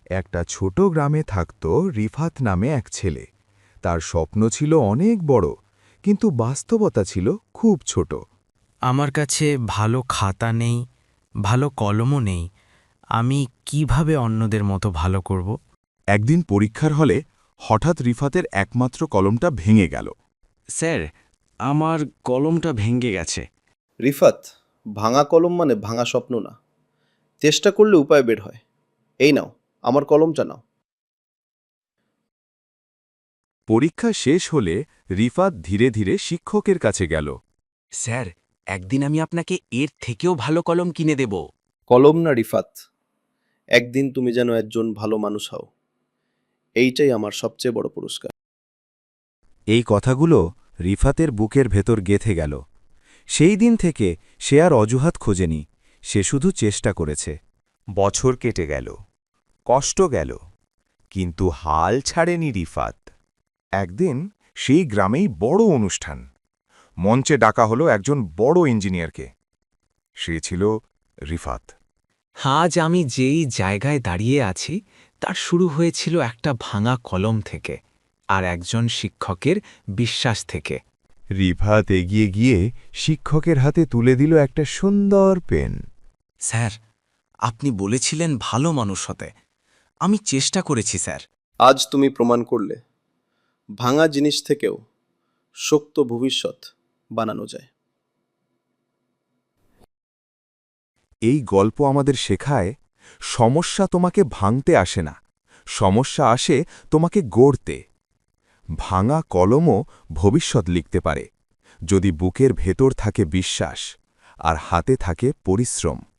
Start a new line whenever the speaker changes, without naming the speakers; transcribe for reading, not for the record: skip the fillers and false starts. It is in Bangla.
একটা ছোট গ্রামে থাকত রিফাত নামে এক ছেলে। তার স্বপ্ন ছিল অনেক বড়, কিন্তু বাস্তবতা ছিল খুব ছোট।
আমার কাছে ভালো খাতা নেই, ভালো কলমও নেই। আমি কিভাবে অন্যদের মতো ভালো করব?
একদিন পরীক্ষার হলে হঠাৎ রিফাতের একমাত্র কলমটা ভেঙে গেল।
স্যার, আমার কলমটা ভেঙে গেছে।
রিফাত, ভাঙা কলম মানে ভাঙা স্বপ্ন না। চেষ্টা করলে উপায় বের হয়। এই নাও, আমার কলমটা নাও।
পরীক্ষা শেষ হলে রিফাত ধীরে ধীরে শিক্ষকের কাছে গেল।
স্যার, একদিন আমি আপনাকে এর থেকেও ভালো কলম কিনে দেব।
কলম না রিফাত, একদিন তুমি যেন একজন ভালো মানুষ হও, এইটাই আমার সবচেয়ে বড় পুরস্কার।
এই কথাগুলো রিফাতের বুকের ভেতর গেঁথে গেল। সেই দিন থেকে সে আর অজুহাত খোঁজেনি, সে শুধু চেষ্টা করেছে। বছর কেটে গেল, কষ্ট গেল, কিন্তু হাল ছাড়েনি রিফাত। একদিন সেই গ্রামেই বড় অনুষ্ঠান। মঞ্চে ডাকা হলো একজন বড় ইঞ্জিনিয়ারকে। সে ছিল রিফাত।
আজ আমি যেই জায়গায় দাঁড়িয়ে আছি তার শুরু হয়েছিল একটা ভাঙা কলম থেকে, আর একজন শিক্ষকের বিশ্বাস থেকে।
রিফাত এগিয়ে গিয়ে শিক্ষকের হাতে তুলে দিল একটা সুন্দর পেন।
স্যার, আপনি বলেছিলেন ভালো মানুষ হতে। আমি চেষ্টা করেছি স্যার।
আজ তুমি প্রমাণ করলে ভাঙা জিনিস থেকেও শক্ত ভবিষ্যৎ বানানো যায়।
এই গল্প আমাদের শেখায়, সমস্যা তোমাকে ভাঙতে আসে না, সমস্যা আসে তোমাকে গড়তে। ভাঙা কলমও ভবিষ্যৎ লিখতে পারে, যদি বুকের ভেতর থাকে বিশ্বাস আর হাতে থাকে পরিশ্রম।